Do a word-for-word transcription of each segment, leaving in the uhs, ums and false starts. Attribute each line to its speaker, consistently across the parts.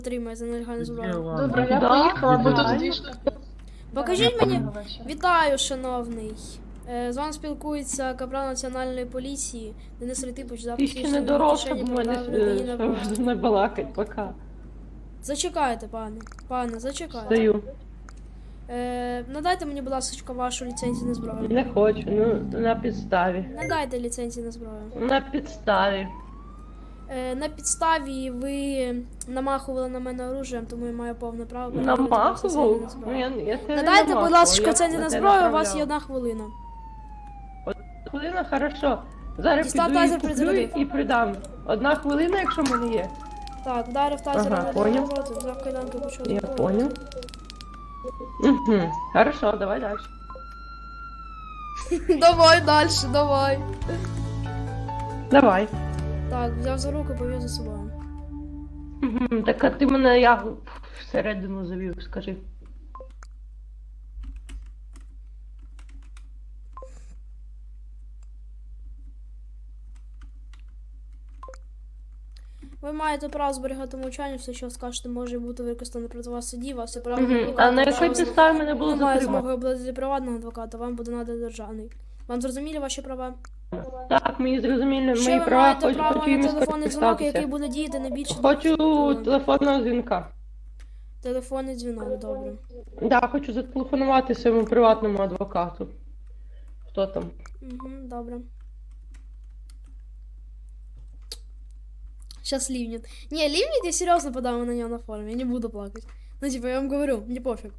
Speaker 1: Отримає за нелегальну зброю.
Speaker 2: Добре, я поїхала, бо тут дві штуки.
Speaker 1: Покажіть мені. Вітаю, шановний. Е, З вами спілкується капрал Національної поліції Денис Ретипович.
Speaker 3: Ти ще не доросла, бо мене не балакать, пока.
Speaker 1: Зачекайте, пане. Пане, зачекайте.
Speaker 3: Стою.
Speaker 1: Е, надайте мені, будь ласка, вашу ліцензію на зброю.
Speaker 3: Не хочу, ну на підставі.
Speaker 1: Надайте ліцензію на зброю.
Speaker 3: На підставі.
Speaker 1: Е, на підставі ви намахували на мене оружієм, тому я маю повне право перевірити вашу ліцензію на
Speaker 3: Намахував?
Speaker 1: зброю.
Speaker 3: Ну, я, я тебе не
Speaker 1: Надайте, будь
Speaker 3: намахував,
Speaker 1: ласка,
Speaker 3: я
Speaker 1: ліцензію на
Speaker 3: тебе
Speaker 1: зброю, у вас
Speaker 3: направляв.
Speaker 1: є одна хвилина.
Speaker 3: Хвилина, хорошо. Зараз
Speaker 1: Дістав
Speaker 3: піду і
Speaker 1: тазер,
Speaker 3: куплю
Speaker 1: призарядив.
Speaker 3: і придам. Одна хвилина, якщо в мене є.
Speaker 1: Так, вдарив тазером
Speaker 3: Ага,
Speaker 1: на
Speaker 3: понял.
Speaker 1: роботу, взяв кайданки, почав
Speaker 3: Я
Speaker 1: зброю.
Speaker 3: понял. Угу. Хорошо, давай дальше.
Speaker 1: Давай дальше, давай.
Speaker 3: Давай.
Speaker 1: Так, взяв за руку, повів за собою.
Speaker 3: Угу. Так а ти мене як всередину завів, скажи.
Speaker 1: Ви маєте право зберігати мовчання, все, що скажете, може бути використано проти вас в суді, вас все право
Speaker 3: Угу.
Speaker 1: адвоката,
Speaker 3: А на якій
Speaker 1: право-
Speaker 3: підставі мене було
Speaker 1: Немає
Speaker 3: затримано?
Speaker 1: змоги обладнати приватного адвоката, вам буде наданий державний. Вам зрозуміли ваші права?
Speaker 3: Так, мені зрозуміло,
Speaker 1: Ще
Speaker 3: мої
Speaker 1: ви
Speaker 3: права,
Speaker 1: маєте
Speaker 3: хочу,
Speaker 1: право
Speaker 3: хочу
Speaker 1: на
Speaker 3: їм
Speaker 1: телефонний дзвінок, який
Speaker 3: скористатися.
Speaker 1: буде діяти не більше двох
Speaker 3: Хочу
Speaker 1: хвилин.
Speaker 3: телефонного дзвінка.
Speaker 1: Телефонний дзвінок, добре.
Speaker 3: Да, хочу зателефонувати своєму приватному адвокату. Хто там?
Speaker 1: Угу, добре. Сейчас ливнет. Не, ливнет, я серьезно подам на него на форуме, я не буду плакать. Ну, типа, я вам говорю, мне пофиг.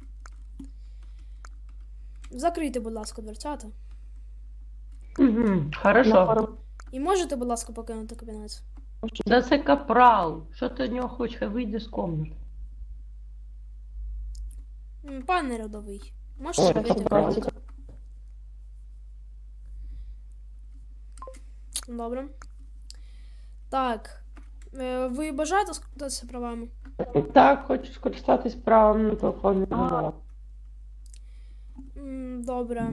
Speaker 1: Закрийте, будь ласка, дверцята.
Speaker 3: Угу, хорошо.
Speaker 1: І можете, будь ласка, покинути кабінет?
Speaker 3: Да це капрал. Що ти від нього хочеш? Хай вийде з комнати.
Speaker 1: М, Пане рядовий,
Speaker 3: Ой,
Speaker 1: можете вийти в
Speaker 3: капрал.
Speaker 1: кабінет? Добре. Так. Е, Ви бажаєте скористатися правами?
Speaker 3: Так, хочу скористатись правом на телефонний дзвінок.
Speaker 1: М, Добре.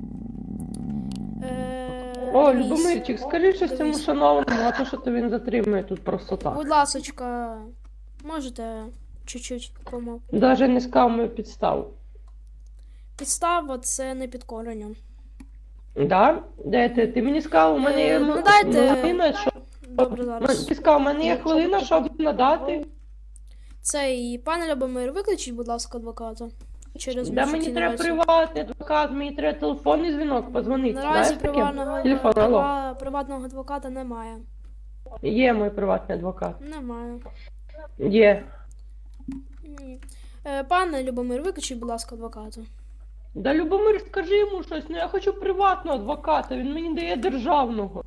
Speaker 1: Е,
Speaker 3: О,
Speaker 1: дивись.
Speaker 3: Любомирчик, скажи щось цьому
Speaker 1: Дивись.
Speaker 3: шановному, а то що то він затримує тут просто так.
Speaker 1: Будь ласочка, можете чуть-чуть помов.
Speaker 3: Даже не сказав мою підставу.
Speaker 1: Підстава це не підкорення.
Speaker 3: Да? Де ти? Ти мені сказав, у мене є
Speaker 1: Е,
Speaker 3: м-
Speaker 1: ну, дайте.
Speaker 3: хвилина, що...
Speaker 1: Добре, зараз.
Speaker 3: Ти сказав, у мене є хвилина, щоб надати.
Speaker 1: Цей пане Любомир, викличіть, будь ласка, адвоката. Через
Speaker 3: Да мені
Speaker 1: міжнародні
Speaker 3: треба
Speaker 1: наразі.
Speaker 3: приватний адвокат, мені треба телефонний дзвінок, позвонити.
Speaker 1: Наразі
Speaker 3: Знаєш таке?
Speaker 1: приватного,
Speaker 3: Телефон, алло.
Speaker 1: прива- приватного адвоката немає.
Speaker 3: Є мій приватний адвокат.
Speaker 1: Немає.
Speaker 3: Є.
Speaker 1: Ні. Е, Пане Любомир, викличіть, будь ласка, адвоката.
Speaker 3: Да, Любомир, скажи йому щось, ну я хочу приватного адвоката, він мені дає державного.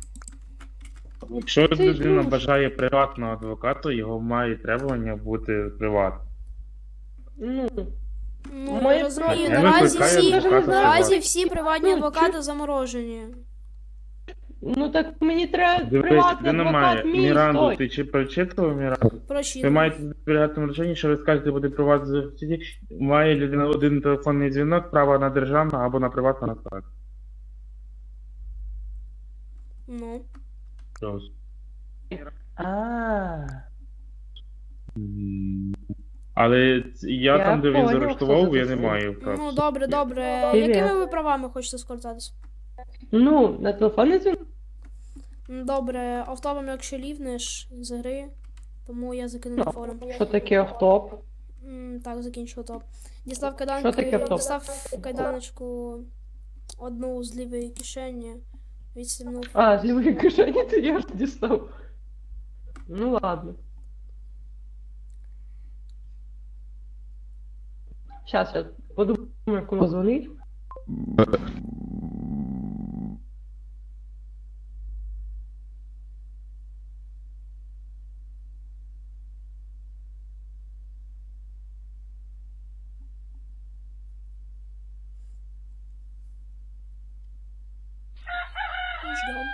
Speaker 4: Якщо
Speaker 3: Це
Speaker 4: людина
Speaker 3: ж-
Speaker 4: бажає приватного адвоката, його має требування бути приватним.
Speaker 3: Ну,
Speaker 1: Ну,
Speaker 3: Ми-
Speaker 1: я розумію,
Speaker 4: Не
Speaker 1: наразі
Speaker 4: викликає
Speaker 1: всі,
Speaker 4: адвоката
Speaker 1: наразі
Speaker 4: приватного.
Speaker 1: всі приватні
Speaker 3: Ну,
Speaker 1: адвокати заморожені.
Speaker 3: ну так мені треба
Speaker 4: Дивись,
Speaker 3: приватний
Speaker 4: людина
Speaker 3: адвокат
Speaker 4: має
Speaker 3: мій
Speaker 4: Міранду,
Speaker 3: стой.
Speaker 4: ти чи прочитував Міранду? Ви
Speaker 1: Прочитано.
Speaker 4: маєте зберігати речення, що ви скажете буде приватний в суді, має людина один телефонний дзвінок, право на державного або на приватного адвоката.
Speaker 1: Ну.
Speaker 4: Ось.
Speaker 3: А,
Speaker 4: Але ц- я,
Speaker 3: Я
Speaker 4: там, де він
Speaker 3: поняв,
Speaker 4: заарештував,
Speaker 3: хто
Speaker 4: я
Speaker 3: це
Speaker 4: не
Speaker 3: такий.
Speaker 4: маю прав.
Speaker 1: Ну, добре, добре.
Speaker 3: Привіт.
Speaker 1: Якими ви правами хочете скористатися?
Speaker 3: ну, на телефонний дзвінок?
Speaker 1: М, Добре, автопом, якщо лівнеш з гри, тому я закину на форум.
Speaker 3: Що таке автоп?
Speaker 1: М, Так, закінчу топ. Дістав
Speaker 3: Що
Speaker 1: кайданки,
Speaker 3: таке автоп?
Speaker 1: дістав кайданочку одну з лівої кишені, відстібнув.
Speaker 3: А, з лівої кишені ти я ж дістав. Ну ладно. Щас я подумаю, кому дзвонить.
Speaker 1: Ждем.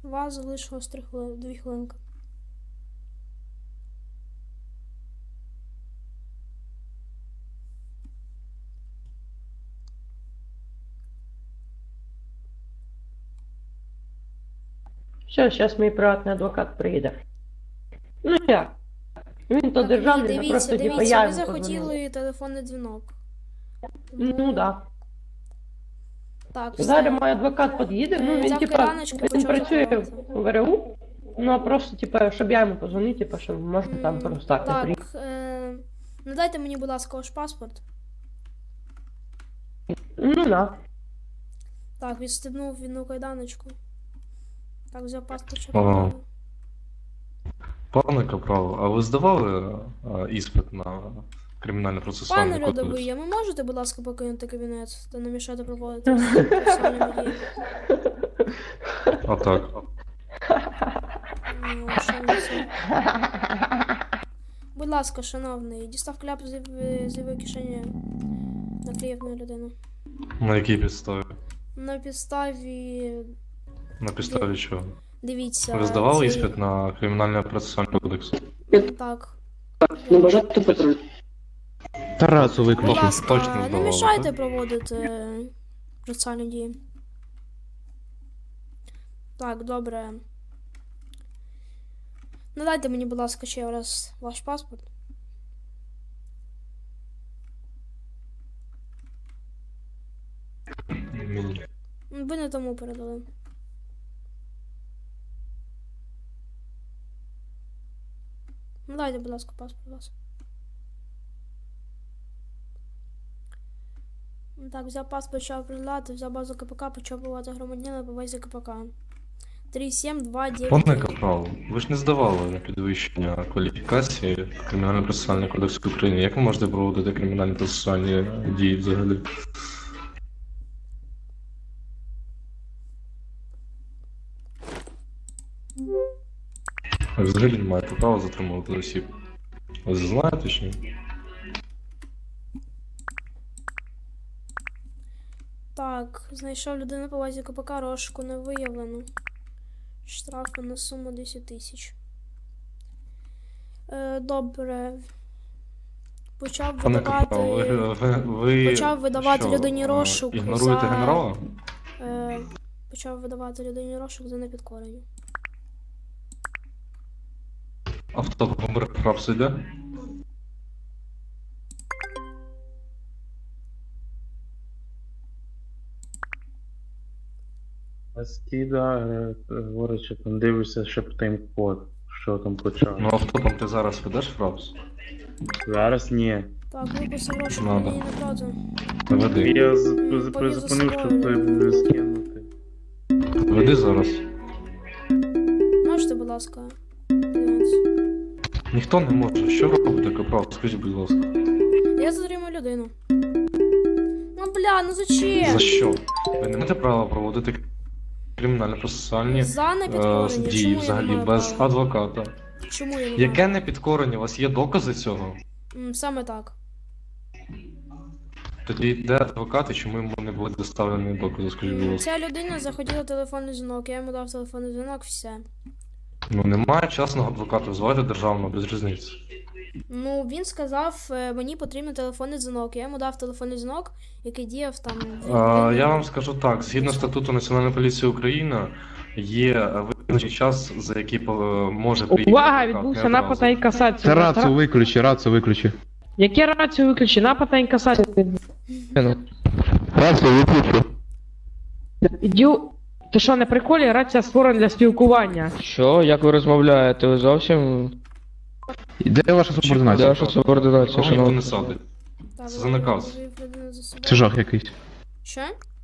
Speaker 1: У вас залишилось три хвили... дві хвилинки.
Speaker 3: Все, зараз мій приватний адвокат приїде. Ну як? Він то
Speaker 1: Так,
Speaker 3: державний,
Speaker 1: ні,
Speaker 3: це
Speaker 1: дивіться,
Speaker 3: просто типа
Speaker 1: дивіться,
Speaker 3: я
Speaker 1: ви
Speaker 3: йому позвонила.
Speaker 1: захотіли телефонний дзвінок.
Speaker 3: Ну да.
Speaker 1: Так, все.
Speaker 3: Зараз мій адвокат під'їде, ну
Speaker 1: Е,
Speaker 3: він
Speaker 1: взяв
Speaker 3: типа,
Speaker 1: кираночку,
Speaker 3: він
Speaker 1: почав
Speaker 3: працює
Speaker 1: закривати.
Speaker 3: в ВРУ, ну а просто типа, щоб я йому позвонив, типа, що можете там
Speaker 1: М,
Speaker 3: просто так не приїхати.
Speaker 1: Так, е... надайте мені, будь ласка, ваш паспорт.
Speaker 3: Ну да.
Speaker 1: Так, відстебнув війну кайданочку. Так, взяв паспорт, що
Speaker 5: Ага.
Speaker 1: потрібно.
Speaker 5: Пане Капрал, а ви здавали а, іспит на
Speaker 1: Пане
Speaker 5: кримінально-процесуальний
Speaker 1: Льодовий,
Speaker 5: кодекс?
Speaker 1: а ви можете, будь ласка, покинути кабінет та не мішати проводити процесуальні дії?
Speaker 5: А так.
Speaker 1: Ну, що ви це? Будь ласка, шановний, дістав кляп з лівої- з лівої кишені наклеїв людину.
Speaker 5: На якій підставі?
Speaker 1: На підставі...
Speaker 5: На підставі чого?
Speaker 1: Дивіться...
Speaker 5: Ви здавали
Speaker 1: цей-
Speaker 5: іспит на кримінально-процесуальний кодекс?
Speaker 1: Так.
Speaker 2: Не бажати патруль.
Speaker 6: Тарасу
Speaker 1: Будь
Speaker 6: виключи.
Speaker 5: Точно
Speaker 1: ласка, не
Speaker 5: здавали,
Speaker 1: мішайте
Speaker 5: так?
Speaker 1: проводити процесуальні дії. Так, добре. Надайте мені, будь ласка, ще раз ваш паспорт.
Speaker 5: Мені.
Speaker 1: Ви не тому передали. Надайте, будь ласка, паспорт вас. Так, взяв паспорт, почав приділяти, взяв базу КПК, почав бувати громадянина по базі КПК. три сім два дев'ять.
Speaker 5: Пане Капрал, ви ж не здавали на підвищення кваліфікації кримінально-процесуальний кодекс України. Як ви можете проводити кримінально-процесуальні дії взагалі? Ви взагалі не маєте права затримувати осіб. Ви це знаєте чи ні?
Speaker 1: Так, знайшов людину по базі КПК, розшуку не виявлено. Штрафи на суму десять тисяч. Е, добре. Почав
Speaker 5: Пане
Speaker 1: видавати...
Speaker 5: Капрал, ви, ви, ви
Speaker 1: Почав видавати
Speaker 5: що,
Speaker 1: людині
Speaker 5: е,
Speaker 1: розшук
Speaker 5: ігноруєте
Speaker 1: за-
Speaker 5: генерала?
Speaker 1: Е, почав видавати людині розшук за непідкорення.
Speaker 5: Авто помер прав йде?
Speaker 4: А Скіда е, говорить, що там дивишся, що тайм-код, що там почав.
Speaker 5: Ну автопом ти зараз ведеш фрапс?
Speaker 4: Зараз ні.
Speaker 1: Так, виписав розшук
Speaker 5: Надо.
Speaker 1: мені напроти.
Speaker 5: Веди.
Speaker 4: Я з- з-
Speaker 1: Повіз за
Speaker 4: призупинив, щоб
Speaker 1: собою.
Speaker 4: той скинути.
Speaker 5: Веди зараз.
Speaker 1: Можете, будь ласка. подивитися?
Speaker 5: Ніхто не може. Що робите, Капрал? Скажіть, будь ласка.
Speaker 1: Я затримую людину. Ну бля, ну зачем?
Speaker 5: За що? Ви не маєте права проводити кримінально-процесуальні
Speaker 1: За
Speaker 5: е,
Speaker 1: непідкорення. Чому
Speaker 5: дії
Speaker 1: я не
Speaker 5: взагалі
Speaker 1: маю
Speaker 5: без
Speaker 1: права?
Speaker 5: адвоката.
Speaker 1: Чому я не маю?
Speaker 5: Яке непідкорення? У вас є докази цього?
Speaker 1: М, Саме так.
Speaker 5: Тоді де адвокат і чому йому не були доставлені докази, скажіть, будь
Speaker 1: М,
Speaker 5: ласка.
Speaker 1: Ця людина захотіла телефонний дзвінок, я йому дав телефонний дзвінок, все.
Speaker 5: Ну немає частного адвоката, визивайте державного, без різниці.
Speaker 1: Ну, він сказав, е, мені потрібен телефонний дзвінок. Я йому дав телефонний дзвінок, який діяв там.
Speaker 5: А, я вам скажу так, згідно статуту Національної поліції України, є визначений час, за який е, може приїхати.
Speaker 3: Увага,
Speaker 5: адвокат,
Speaker 3: відбувся
Speaker 5: не
Speaker 3: напад
Speaker 5: одразу.
Speaker 3: на інкасацію.
Speaker 6: Тарасу виключи, рацію виключи.
Speaker 3: Яке рацію виключи? Напад на інкасацію.
Speaker 6: Рацію виключи.
Speaker 3: Ідю. Ти що, на приколі? Рація створена для спілкування.
Speaker 7: Що? Як ви розмовляєте? Ви зовсім
Speaker 6: Де ваша
Speaker 7: де
Speaker 6: субординація?
Speaker 7: ваша субординація,
Speaker 5: Кого ніхто
Speaker 7: шановні?
Speaker 5: не садить.
Speaker 1: Так,
Speaker 5: це за наказ.
Speaker 1: вивів людину за собою.
Speaker 6: Це жах якийсь.
Speaker 1: Що?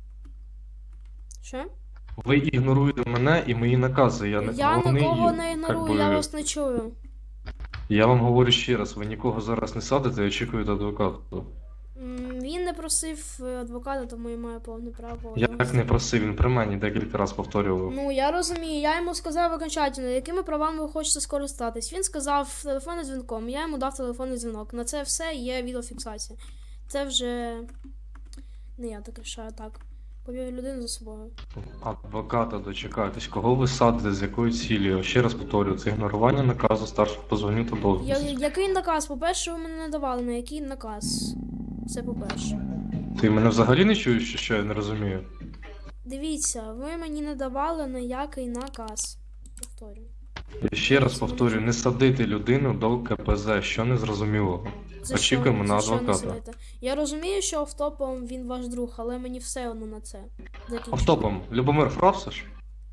Speaker 1: Що?
Speaker 5: Ви ігноруєте мене і мої накази. Я не
Speaker 1: Я
Speaker 5: вони,
Speaker 1: нікого не
Speaker 5: як
Speaker 1: ігнорую,
Speaker 5: би,
Speaker 1: я вас не чую.
Speaker 5: Я вам говорю ще раз, ви нікого зараз не садите і очікуєте адвоката.
Speaker 1: М, Він не просив е, адвоката, тому я маю повне право.
Speaker 5: Я
Speaker 1: його
Speaker 5: так не просив, він при мені декілька разів повторював.
Speaker 1: Ну, я розумію, я йому сказав окончательно, якими правами ви хочете скористатись. Він сказав телефонним дзвінком, я йому дав телефонний дзвінок. На це все є відеофіксація. Це вже не я таке, що так. Повів людину за собою.
Speaker 5: Адвоката дочекайтесь, кого ви садите, з якою цілею? Ще раз повторюю, це ігнорування наказу старшого по званню та
Speaker 1: Я,
Speaker 5: должності.
Speaker 1: який наказ? По-перше, ви мене не давали, на який наказ? Це по-перше.
Speaker 5: Ти мене взагалі не чуєш, що я не розумію?
Speaker 1: Дивіться, ви мені не давали ніякий наказ. Повторюю.
Speaker 5: Я ще раз повторюю, не садити людину до КПЗ, що не зрозумілого.
Speaker 1: За
Speaker 5: Очікуємо
Speaker 1: що?
Speaker 5: на
Speaker 1: За що не
Speaker 5: адвоката.
Speaker 1: сидите? Я розумію, що автопом він ваш друг, але мені все одно на це. Закінчуйте.
Speaker 5: Автопом, Любомир Фрапсиш?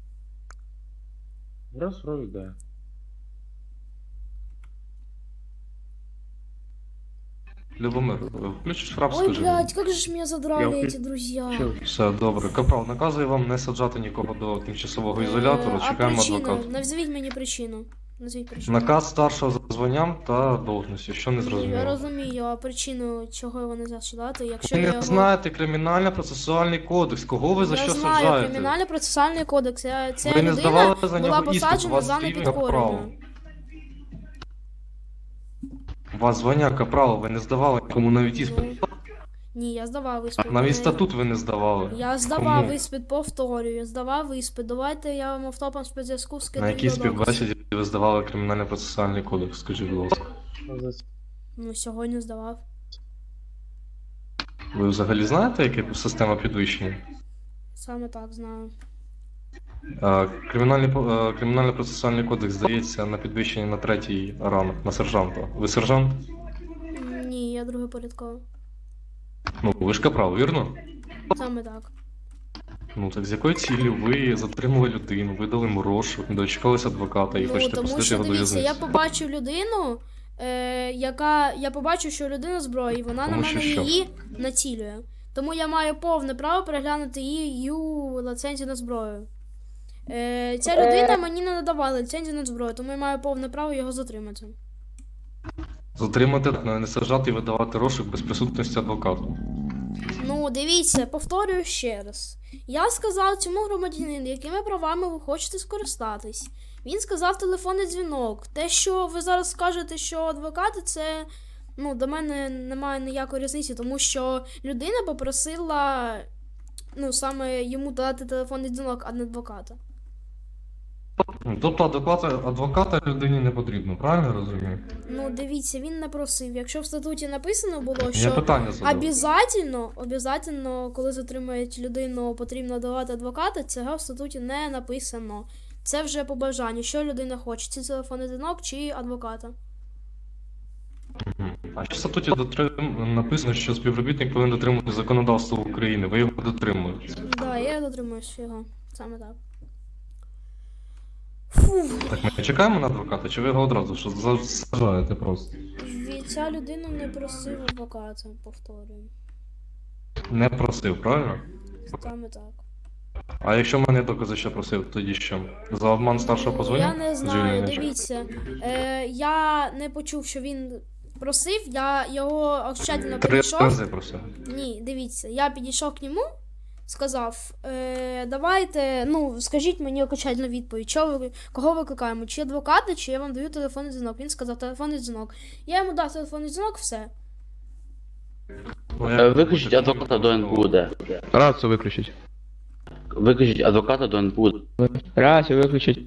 Speaker 4: Раз, раз, да.
Speaker 5: Любомир, включиш фрап,
Speaker 1: Ой,
Speaker 5: скажи.
Speaker 1: блядь, как же ж меня задрали
Speaker 4: Я
Speaker 1: эти друзья.
Speaker 4: Що?
Speaker 5: Все, добре. Капрал, наказую вам не саджати нікого до тимчасового ізолятору,
Speaker 1: Е, а
Speaker 5: чекаємо
Speaker 1: причина?
Speaker 5: адвоката.
Speaker 1: Назвіть мені причину. Назвіть причину.
Speaker 5: Наказ старшого за званням та должності, що не
Speaker 1: Я
Speaker 5: зрозуміло.
Speaker 1: розумію, а причину, чого його не саджати, якщо
Speaker 5: Ви
Speaker 1: я
Speaker 5: не
Speaker 1: його...
Speaker 5: знаєте кримінально-процесуальний кодекс, кого ви за
Speaker 1: я
Speaker 5: що
Speaker 1: знаю
Speaker 5: саджаєте?
Speaker 1: кримінально-процесуальний кодекс. Я, ця
Speaker 5: Ви не
Speaker 1: людина
Speaker 5: здавали за
Speaker 1: була
Speaker 5: нього іспит, у
Speaker 1: посаджена
Speaker 5: вас
Speaker 1: за
Speaker 5: рівень
Speaker 1: непідкорення.
Speaker 5: капрала. У вас звання капрала, ви не здавали нікому навіть іспит.
Speaker 1: Ну, ні, я здавав іспит.
Speaker 5: Навіть
Speaker 1: Мене-
Speaker 5: статут ви не здавали.
Speaker 1: Я здавав
Speaker 5: Кому?
Speaker 1: іспит, повторюю, я здавав іспит. Давайте я вам автопом спецзв'язку скину.
Speaker 5: На якій
Speaker 1: відеодоказ.
Speaker 5: співбесіді ви здавали кримінально-процесуальний кодекс, скажіть, будь ласка.
Speaker 1: Ну, сьогодні здавав.
Speaker 5: Ви взагалі знаєте, яка система підвищення?
Speaker 1: Саме так знаю.
Speaker 5: Е, Кримінальний, по- е, Кримінально-процесуальний кодекс здається на підвищення на третій ранг, на сержанта. Ви сержант?
Speaker 1: Ні, я другий порядковий.
Speaker 5: Ну, ви ж капрал, вірно?
Speaker 1: Саме так.
Speaker 5: Ну так з якої цілі ви затримали людину, видали йому розшук, не дочекалися адвоката і
Speaker 1: Ну,
Speaker 5: хочете
Speaker 1: тому
Speaker 5: посадити
Speaker 1: що
Speaker 5: його до
Speaker 1: дивіться, я
Speaker 5: в'язниці?
Speaker 1: побачив людину, е, яка. Я побачив, що людина зброї, вона
Speaker 5: Тому
Speaker 1: на
Speaker 5: що
Speaker 1: мене
Speaker 5: що?
Speaker 1: її націлює. Тому я маю повне право переглянути її ліцензію на зброю. Е, ця людина мені не надавала ліцензію на зброю, тому я маю повне право його затримати.
Speaker 5: Затримати, не саджати і видавати розшук без присутності адвоката.
Speaker 1: Ну, дивіться, повторюю ще раз. Я сказав цьому громадянину, якими правами ви хочете скористатись. Він сказав телефонний дзвінок. Те, що ви зараз скажете, що адвокати, це ну, до мене немає ніякої різниці, тому що людина попросила ну, саме йому дати телефонний дзвінок, а не адвоката.
Speaker 5: Тобто адвоката, адвоката людині не потрібно, правильно я розумію?
Speaker 1: Ну, дивіться, він не просив. Якщо в статуті написано було,
Speaker 5: Я
Speaker 1: що
Speaker 5: питання задав.
Speaker 1: обязательно, обязательно, коли затримують людину, потрібно давати адвоката, цього в статуті не написано. Це вже по бажанню, що людина хоче, чи телефонний дзвінок, чи адвоката.
Speaker 5: Мгм. А ще в статуті дотрим... написано, що співробітник повинен дотримувати законодавство України. Ви його дотримуєте.
Speaker 1: Да, я дотримуюсь його. Саме так. Фух,
Speaker 5: Так ми чекаємо на адвоката, чи ви його одразу що за- саджаєте просто?
Speaker 1: від- ця людина не просив адвоката, повторюю.
Speaker 5: Не просив, правильно?
Speaker 1: Саме так.
Speaker 5: А якщо мене докази, що просив, тоді що? За обман старшого по званню?
Speaker 1: Я не знаю,
Speaker 5: Звільнення?
Speaker 1: дивіться. Е, я не почув, що він просив, я його окончательно
Speaker 5: Три
Speaker 1: підійшов.
Speaker 5: рази просив.
Speaker 1: Ні, дивіться, я підійшов к ньому, сказав, е, давайте, ну, скажіть мені окончательну відповідь, що ви, кого викликаємо, чи адвоката, чи я вам даю телефонний дзвінок. Він сказав телефонний дзвінок. Я йому дав телефонний дзвінок, все.
Speaker 5: Ну,
Speaker 2: Е,
Speaker 5: як
Speaker 2: Виключіть
Speaker 5: хочете.
Speaker 2: адвоката до ен пе у де.
Speaker 6: Рацию выключить.
Speaker 2: Виключіть адвоката до ен пе у.
Speaker 7: Рацию выключить.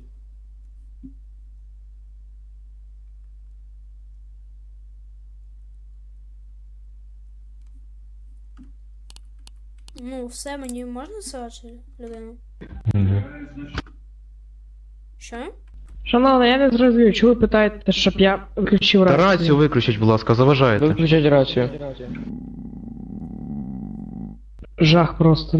Speaker 1: Ну, все, мені можна садити людину?
Speaker 5: Мгм.
Speaker 1: Що?
Speaker 3: Шановна, я не зрозумів, чого ви питаєте, щоб я виключив
Speaker 6: Та
Speaker 3: рацію?
Speaker 6: рацію виключить, будь ласка, заважаєте.
Speaker 7: Выключить рацию.
Speaker 3: Жах просто.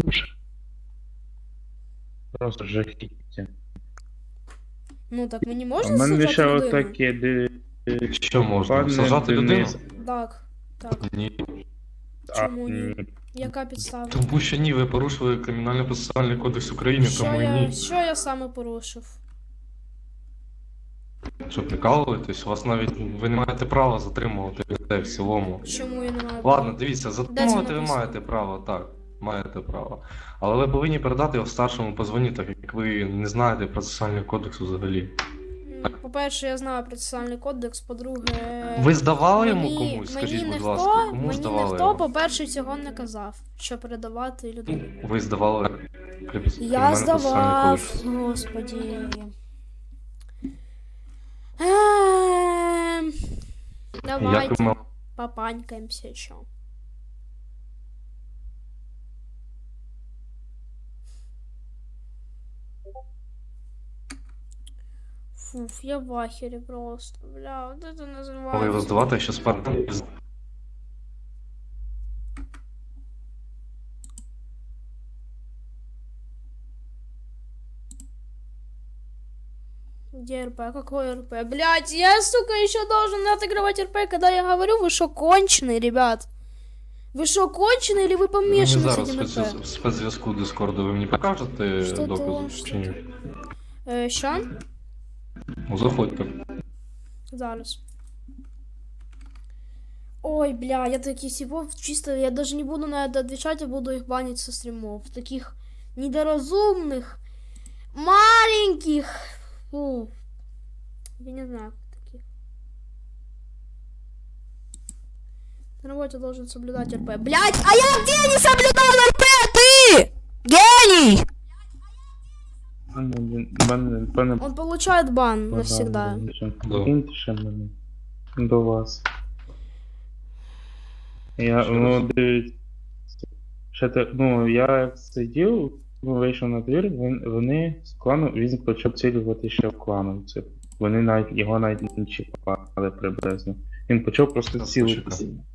Speaker 4: Просто жахіття.
Speaker 1: Ну, так мені
Speaker 4: У
Speaker 1: можна
Speaker 4: мене
Speaker 1: саджати
Speaker 4: ще
Speaker 1: людину?
Speaker 4: отаке, де...
Speaker 5: Що можна?
Speaker 4: Пане
Speaker 5: Сажати людину?
Speaker 4: Денис.
Speaker 1: Так, так.
Speaker 5: Ні.
Speaker 4: А,
Speaker 1: Чому ні?
Speaker 4: ні.
Speaker 1: Яка підстава?
Speaker 5: Тому що ні, ви порушили кримінально-процесуальний кодекс України,
Speaker 1: Що
Speaker 5: тому і
Speaker 1: я,
Speaker 5: ні.
Speaker 1: що я саме порушив?
Speaker 5: Що прикалуєтесь? У вас навіть ви не маєте права затримувати людей в цілому.
Speaker 1: Чому я не маю?
Speaker 5: Ладно, дивіться, затримувати ви
Speaker 1: написано?
Speaker 5: маєте право, так. Маєте право. Але ви повинні передати його старшому по званню, так як ви не знаєте процесуальний кодекс взагалі.
Speaker 1: по-перше, я знаю процесуальний кодекс, по-друге.
Speaker 5: Ви здавали йому
Speaker 1: мені-
Speaker 5: комусь?
Speaker 1: мені
Speaker 5: Скажіть, будь
Speaker 1: ніхто,
Speaker 5: ласка, кому
Speaker 1: мені
Speaker 5: здавали?
Speaker 1: ніхто,
Speaker 5: його?
Speaker 1: по-перше, цього не казав, що передавати людині.
Speaker 5: Ви здавали
Speaker 1: Я
Speaker 5: кримінально-процесуальний
Speaker 1: здавав,
Speaker 5: кодекс?
Speaker 1: господі. Ем,
Speaker 5: Як
Speaker 1: Давайте
Speaker 5: ви мав...
Speaker 1: попанькаємося, що. Фуф, я в ахері просто. Бля, вот это
Speaker 5: мали його
Speaker 1: називається.
Speaker 5: здавати, що Спартан...
Speaker 1: Где РП? Какой РП? Блять, я, сука, еще должен отыгрывать РП, когда я говорю, вы шо, конченые, ребят? Вы шо, конченые, или вы
Speaker 5: Мені
Speaker 1: помешаны с
Speaker 5: зараз
Speaker 1: этим
Speaker 5: спец-
Speaker 1: РП?
Speaker 5: спецзв'язку Дискорду ви мені покажете
Speaker 1: Що
Speaker 5: докази
Speaker 1: то, що
Speaker 5: чи ні?
Speaker 1: Е, що?
Speaker 5: Ну, заходьте.
Speaker 1: Зараз. Ой, бля, я таких типов чисто, я даже не буду на это отвечать, я буду их банить со стримов. Таких недоразумных, маленьких. Фу. Я не знаю, как таких. На работе должен соблюдать РП. Блять, а я где не соблюдал РП, ты? Гений!
Speaker 4: Пане, пане, пане,
Speaker 1: Он получает бан навсегда.
Speaker 5: Да.
Speaker 4: Киньте ще мене до вас. Я,
Speaker 5: Що
Speaker 4: ну,
Speaker 5: раз?
Speaker 4: дивіться. Ще те, ну, я як сидів, ну, вийшов на двір, він, вони з клану, він почав цілювати ще в клану. Це, вони навіть, його навіть не чіпали приблизно. Він почав просто
Speaker 5: Зараз
Speaker 4: цілитися.
Speaker 5: почекай.